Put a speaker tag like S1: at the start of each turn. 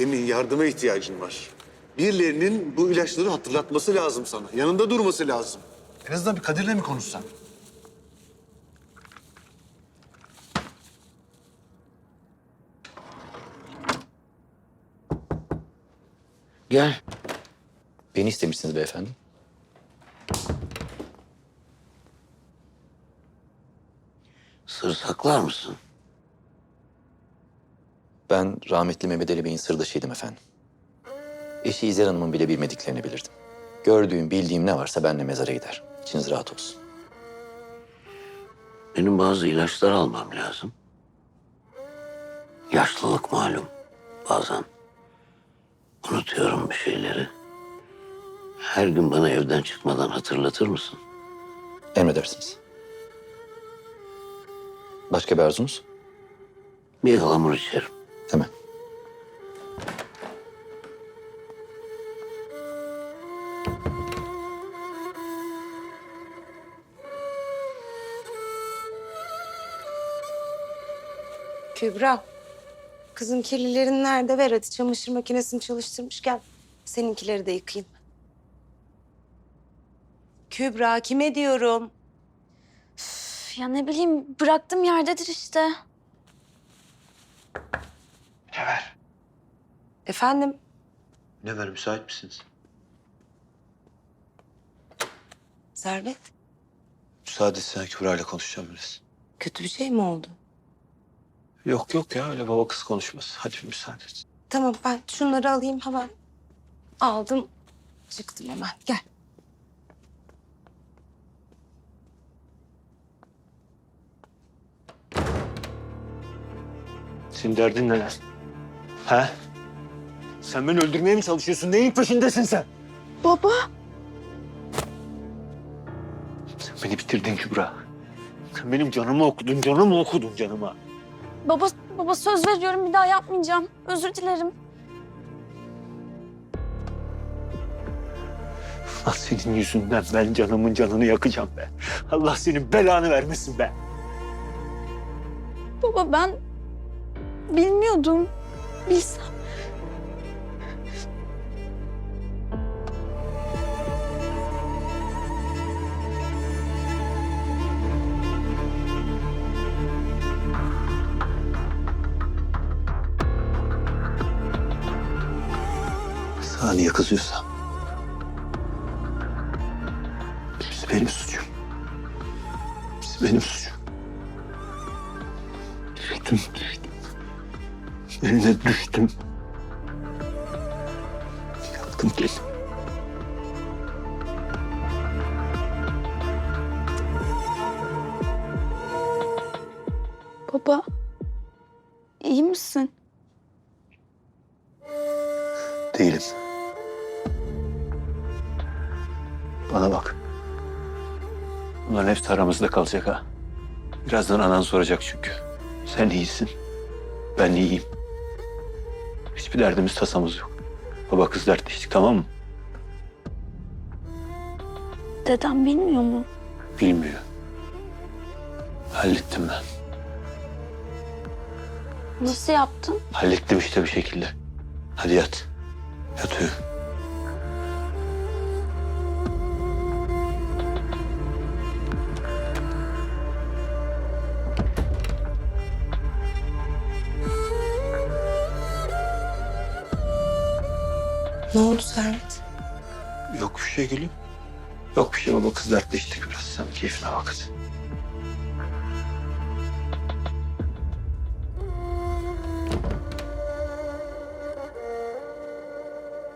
S1: Emin, yardıma ihtiyacın var. Birilerinin bu ilaçları hatırlatması lazım sana. Yanında durması lazım. En azından bir Kadir'le mi konuşsan?
S2: Gel. Beni istemişsiniz beyefendi.
S3: Sır saklar mısın?
S2: Ben rahmetli Mehmet Ali Bey'in sırdaşıydım efendim. Eşi İzel Hanım'ın bile bilmediklerini bilirdim. Gördüğüm, bildiğim ne varsa benimle mezara gider. İçiniz rahat olsun.
S3: Benim bazı ilaçlar almam lazım. Yaşlılık malum. Bazen unutuyorum bir şeyleri. Her gün bana evden çıkmadan hatırlatır mısın?
S2: Emredersiniz. Başka bir arzunuz?
S3: Bir ıhlamur içerim.
S2: Hemen.
S4: Kübra, kızım kirlilerin nerede? Ver hadi, çamaşır makinesini çalıştırmışken seninkileri de yıkayayım. Kübra, kime diyorum?
S5: Ya ne bileyim, bıraktım yerdedir işte.
S4: Efendim?
S6: Ne var, müsait misiniz?
S4: Servet,
S6: Müsaade etsene, Kübra ile konuşacağım biraz.
S4: kötü bir şey mi oldu?
S6: Yok yok ya, öyle baba kız konuşması. Hadi bir müsaade et.
S4: Tamam, ben şunları alayım hemen. Aldım, çıktım hemen. Gel.
S6: Senin derdin ne lan? He? Sen beni öldürmeye mi çalışıyorsun? Neyin peşindesin sen?
S5: Baba.
S6: Sen beni bitirdin Kübra. Sen benim canımı okudun, canımı okudun canıma.
S5: Baba söz veriyorum, bir daha yapmayacağım. Özür dilerim.
S6: Allah senin yüzünden ben canımın canını yakacağım be. Allah senin belanı vermesin be.
S5: Baba ben bilmiyordum. Bilsem.
S6: Sana niye kızıyorsam? Hepsi benim suçum. Hepsi benim suçum. Düştüm. Eline düştüm. Yaktım kendimi.
S5: Baba. İyi misin?
S6: Değilim. Bana bak. Bunların hepsi aramızda kalacak ha. Birazdan anan soracak çünkü. Sen iyisin. Ben iyiyim. Hiçbir derdimiz tasamız yok. Baba kız dertleştik, tamam mı?
S5: Dedem bilmiyor mu?
S6: Bilmiyor. Hallettim ben.
S5: Nasıl yaptın?
S6: Hallettim işte bir şekilde. Hadi yat. Yat uyu.
S4: Ne oldu Servet?
S6: Yok bir şey gülüm. Yok bir şey, baba kız dertleştik biraz. Sen keyfine bak hadi.